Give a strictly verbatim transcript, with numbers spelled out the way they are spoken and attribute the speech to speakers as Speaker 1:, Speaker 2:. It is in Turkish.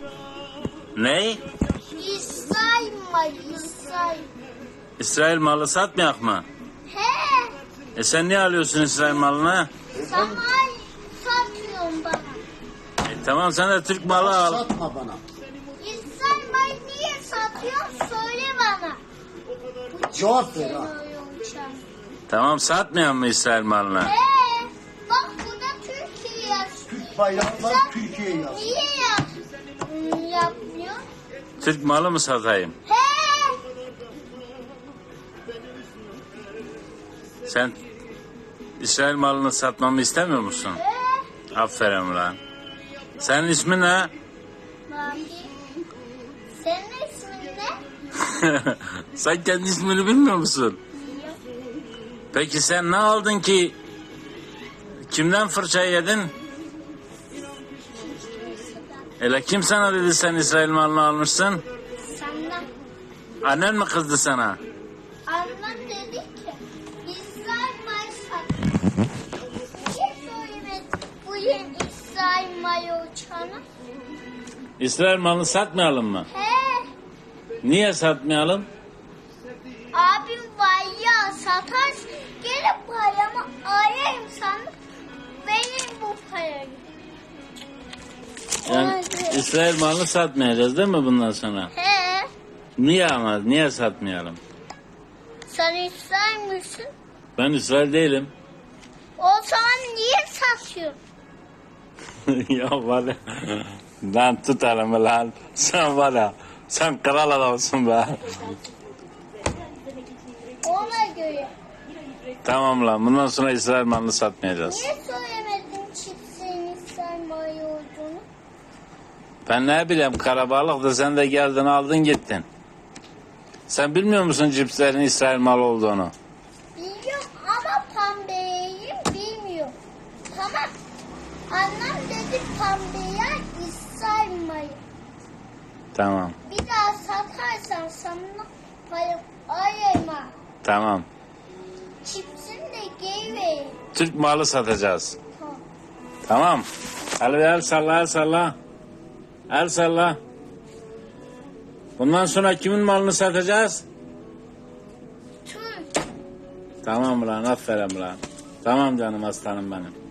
Speaker 1: Ney?
Speaker 2: İsrail malı, İsrail.
Speaker 1: İsrail malı satmayak mı?
Speaker 2: He,
Speaker 1: E sen niye alıyorsun İsrail malını?
Speaker 2: sana satıyorsun bana.
Speaker 1: E tamam sen de Türk malı al.
Speaker 3: Satma bana.
Speaker 2: İsrail malı niye satıyorsun söyle bana.
Speaker 3: Cevap ver ha.
Speaker 1: Tamam satmayan mı İsrail malını?
Speaker 2: He, bak burada Türkiye yazıyor.
Speaker 3: Türk bayrağı var, Türkiye yaz.
Speaker 2: Niye yaz, hmm, yapmıyor?
Speaker 1: Türk malı mı satayım?
Speaker 2: He,
Speaker 1: Sen İsrail malını satmamı istemiyor musun?
Speaker 2: he.
Speaker 1: Aferin ulan. Senin ismin ne?
Speaker 2: Bakayım. Senin ismin ne?
Speaker 1: Sen kendi ismini bilmiyor musun? Peki sen ne aldın ki? Kimden fırça yedin? Hele kim sana dedi sen İsrail malını almışsın?
Speaker 2: Senden.
Speaker 1: Annen mi kızdı sana?
Speaker 2: Annem dedi ki İsrail malı sat. Niye söylemedin bu yıl İsrail malı uçağına?
Speaker 1: İsrail malını satmayalım mı?
Speaker 2: He,
Speaker 1: Niye satmayalım?
Speaker 2: abim var ya satarsın gelip paramı arayayım sana vereyim bu parayı.
Speaker 1: Yani
Speaker 2: Hadi.
Speaker 1: İsrail malını satmayacağız değil mi bundan sonra?
Speaker 2: He,
Speaker 1: Niye ama? Niye satmayalım?
Speaker 2: sen İsrail misin?
Speaker 1: Ben İsrail değilim.
Speaker 2: O zaman niye satıyorsun?
Speaker 1: Ya var ya. Lan tut elimi lan. Sen var ya. Sen kral adamsın be.
Speaker 2: Ona göre.
Speaker 1: Tamam lan. Bundan sonra İsrail malını satmayacağız.
Speaker 2: Niye söylemedin çiftliğin İsrail malı olduğunu?
Speaker 1: Ben ne bileyim karabalık sen de geldin aldın gittin. Sen bilmiyor musun cipslerin İsrail malı olduğunu?
Speaker 2: Biliyorum ama pembeyim bilmiyorum. Tamam. Annem dedi pembeye İsrail malı.
Speaker 1: Tamam.
Speaker 2: Bir daha satarsan sana para ayırma.
Speaker 1: Tamam.
Speaker 2: Çipsini de geri vereyim.
Speaker 1: Türk malı satacağız.
Speaker 2: Tamam.
Speaker 1: Tamam. Hadi el salla el salla. El salla. Bundan sonra kimin malını satacağız?
Speaker 2: Türk.
Speaker 1: Tamam lan aferin lan. Tamam canım aslanım benim.